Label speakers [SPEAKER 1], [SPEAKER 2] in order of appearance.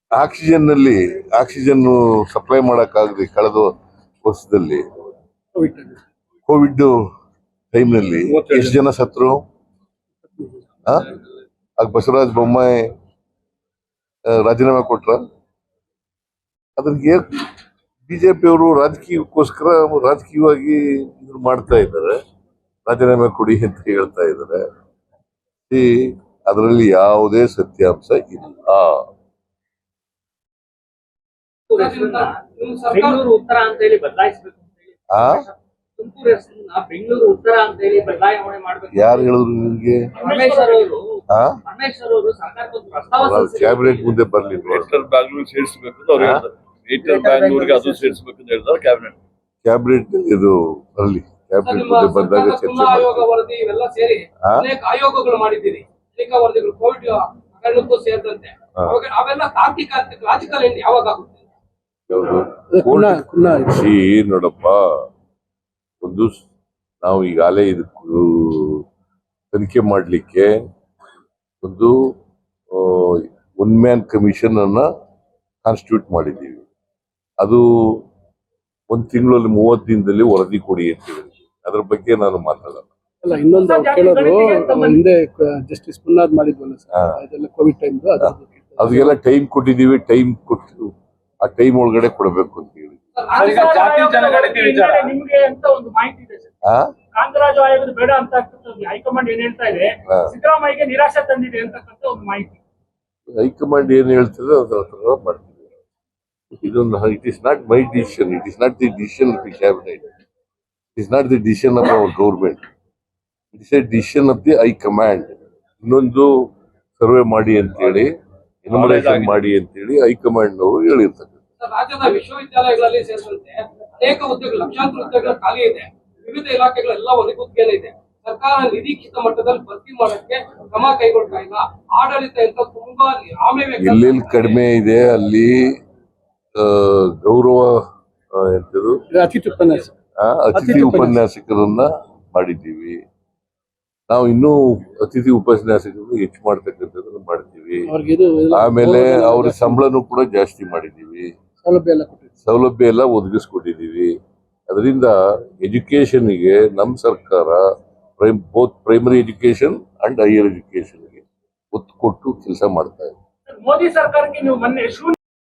[SPEAKER 1] Oxygen supply ಮಾಡಕ್ಕಾಗದೆ ಕಳೆದ ವರ್ಷದಲ್ಲಿ Covid ಟೈಮ್ನಲ್ಲಿ ಎಷ್ಟು ಜನ ಸತ್ರು? ಆಗ ಬಸವರಾಜ ಬೊಮ್ಮಾಯಿ ರಾಜೀನಾಮೆ ಕೊಟ್ರ. ಅದಕ್ಕೆ ಬಿಜೆಪಿಯವರು ರಾಜಕೀಯವಾಗಿ ಇದನ್ನ ಮಾಡ್ತಾ ಇದ್ದಾರೆ, ರಾಜೀನಾಮೆ ಕೊಡಿ ಅಂತ ಹೇಳ್ತಾ ಇದ್ದಾರೆ. ಅದರಲ್ಲಿ ಯಾವುದೇ ಸತ್ಯಾಂಶ ಇಲ್ಲ.
[SPEAKER 2] ಬೆಂಗಳೂರು ಉತ್ತರ ಅಂತ ಹೇಳಿ ಬದಲಾಯಿಸಬೇಕು ಅಂತ ಹೇಳಿ ತುಮಕೂರು ಹೆಸರನ್ನ ಬೆಂಗಳೂರು ಉತ್ತರ ಅಂತ ಹೇಳಿ ಬದಲಾವಣೆ ಮಾಡಬೇಕು.
[SPEAKER 1] ಯಾರು ಹೇಳಿದ್ರು ನಿಮ್ಗೆ?
[SPEAKER 2] ಪರಮೇಶ್ವರ್ ಅವರು ಸರ್ಕಾರಕ್ಕೆ ಪ್ರಸ್ತಾವ
[SPEAKER 1] ಕ್ಯಾಬಿನೆಟ್ ಮುಂದೆ ಬರ್ಲಿಲ್ಲ.
[SPEAKER 3] ಬ್ಯಾಂಗ್ಳೂರ್ ಸೇರಿಸಬೇಕು ಅಂತ ಅವ್ರು ಹೇಳ್ತಾರೆ. ಬ್ಯಾಂಗ್ಳೂರ್ಗೆ ಅದು ಸೇರಿಸಬೇಕು ಅಂತ ಹೇಳ್ತಾರೆ ಕ್ಯಾಬಿನೆಟ್ ಇದು ಬರಲಿ. ಕ್ಯಾಬಿನೆಟ್ ಮುಂದೆ ಬಂದಾಗ ಚರ್ಚೆ
[SPEAKER 2] ಆಯೋಗ ವರದಿ ಇವೆಲ್ಲ ಸೇರಿ ಅನೇಕ ಆಯೋಗಗಳು ಮಾಡಿದ್ದೀರಿ. ಅನೇಕ ವರದಿಗಳು ಕೋವಿಡ್ ಹಗರಣಕ್ಕೂ ಸೇರಿದಂತೆ ಅವೆಲ್ಲ ತಾರ್ಕಿಕ ಲಾಜಿಕಲ್ ಎಂಡ್ ಯಾವಾಗ ಆಗುತ್ತೆ?
[SPEAKER 1] ನೋಡಪ್ಪ, ಒಂದು ನಾವು ಈಗಾಗಲೇ ಇದಕ್ಕೂ ತನಿಖೆ ಮಾಡಲಿಕ್ಕೆ ಒಂದು ಒನ್ ಮ್ಯಾನ್ ಕಮಿಷನ್ ಅನ್ನ ಕಾನ್ಸ್ಟಿಟ್ಯೂಟ್ ಮಾಡಿದ್ದೀವಿ. ಅದು ಒಂದು ತಿಂಗಳಲ್ಲಿ 30 ದಿನದಲ್ಲಿ ವರದಿ ಕೊಡಿ ಅಂತ ಹೇಳಿದ್ವಿ. ಅದ್ರ ಬಗ್ಗೆ ನಾನು ಮಾತಾಡಲ್ಲ.
[SPEAKER 4] ಅಲ್ಲ, ಇನ್ನೊಂದು ಕೇಳೋದು, ಹಿಂದೆ ಜಸ್ಟಿಸ್ ಮುನ್ನಾದ್ ಮಾಡಿದ್ವಲ್ಲ ಸರ್, ಅದೆಲ್ಲ ಕೋವಿಡ್ ಟೈಮ್,
[SPEAKER 1] ಅದಕ್ಕೆಲ್ಲ ಟೈಮ್ ಕೊಟ್ಟಿದ್ದೀವಿ. ಟೈಮ್ ಕೊಟ್ಟು ಆ ಟೈಮ್ ಒಳಗಡೆ ಕೊಡಬೇಕು ಅಂತ ಹೇಳಿ.
[SPEAKER 2] ನಿಮ್ಗೆ ಅಂತ ಒಂದು ಮಾಹಿತಿ ಇದೆ ಸರ್, ಕಾಂತರಾಜು ಆಯೋಗದ ಬೇಡ ಅಂತ ಹೈಕಮಾಂಡ್ ಏನ್ ಹೇಳ್ತಾ ಇದೆ, ಸಿದ್ದರಾಮಯ್ಯಗೆ ನಿರಾಶೆ ತಂದಿದೆ ಅಂತಕ್ಕಂಥ ಒಂದು ಮಾಹಿತಿ.
[SPEAKER 1] ಹೈಕಮಾಂಡ್ ಏನ್ ಹೇಳ್ತದೆ ಅದರ ಮಾಡ್ತೀವಿ. ಇದೊಂದು it is not my decision, it is not the decision of the cabinet, it is not the decision of our government, it is a decision of the high command. ಇನ್ನೊಂದು ಸರ್ವೆ ಮಾಡಿ ಅಂತೇಳಿ, ಎನ್ಯುಮರೇಷನ್ ಮಾಡಿ ಅಂತೇಳಿ ಹೈಕಮಾಂಡ್ ಅವರು ಹೇಳಿರ್ತಕ್ಕಂಥ.
[SPEAKER 2] ರಾಜ್ಯದ ವಿಶ್ವವಿದ್ಯಾಲಯಗಳಲ್ಲಿ ಸೇರಿದಂತೆ ಅನೇಕ ಹುದ್ದೆಗಳು, ಲಕ್ಷಾಂತರ ಹುದ್ದೆಗಳು ಖಾಲಿ ಇದೆ. ವಿವಿಧ ಇಲಾಖೆಗಳೆಲ್ಲ ಒದಗುತ್ತಿಗೆ ಇದೆ. ಸರ್ಕಾರ ನಿರೀಕ್ಷಿತ ಮಟ್ಟದಲ್ಲಿ ಭರ್ತಿ ಮಾಡಕ್ಕೆ ಕ್ರಮ ಕೈಗೊಳ್ತಾ ಇಲ್ಲ. ಆಡಳಿತ ಅಂತ ತುಂಬಾ
[SPEAKER 1] ಎಲ್ಲೆಲ್ಲಿ ಕಡಿಮೆ ಇದೆ ಅಲ್ಲಿ ಗೌರವ ಎಂತದು ಅತಿಥಿ ಉಪನ್ಯಾಸಕರನ್ನ ಮಾಡಿದ್ದೀವಿ. ನಾವು ಇನ್ನೂ ಅತಿಥಿ ಉಪನ್ಯಾಸಕರನ್ನು ಹೆಚ್ಚು ಮಾಡ್ತಕ್ಕಂಥದ್ದನ್ನು ಮಾಡ್ತೀವಿ. ಆಮೇಲೆ ಅವ್ರ ಸಂಬಳನೂ ಕೂಡ ಜಾಸ್ತಿ ಮಾಡಿದ್ದೀವಿ, ಸೌಲಭ್ಯ ಎಲ್ಲ ಒದಗಿಸ್ಕೊಟ್ಟಿದ್ದೀವಿ. ಅದರಿಂದ ಎಜುಕೇಶನ್ಗೆ ನಮ್ಮ ಸರ್ಕಾರ both primary education and higher ಎಜುಕೇಶನ್ಗೆ ಒತ್ತು ಕೊಟ್ಟು ಕೆಲಸ ಮಾಡ್ತಾ ಇದೆ.
[SPEAKER 2] ಮೋದಿ ಸರ್ಕಾರಕ್ಕೆ ನೀವು ಮೊನ್ನೆ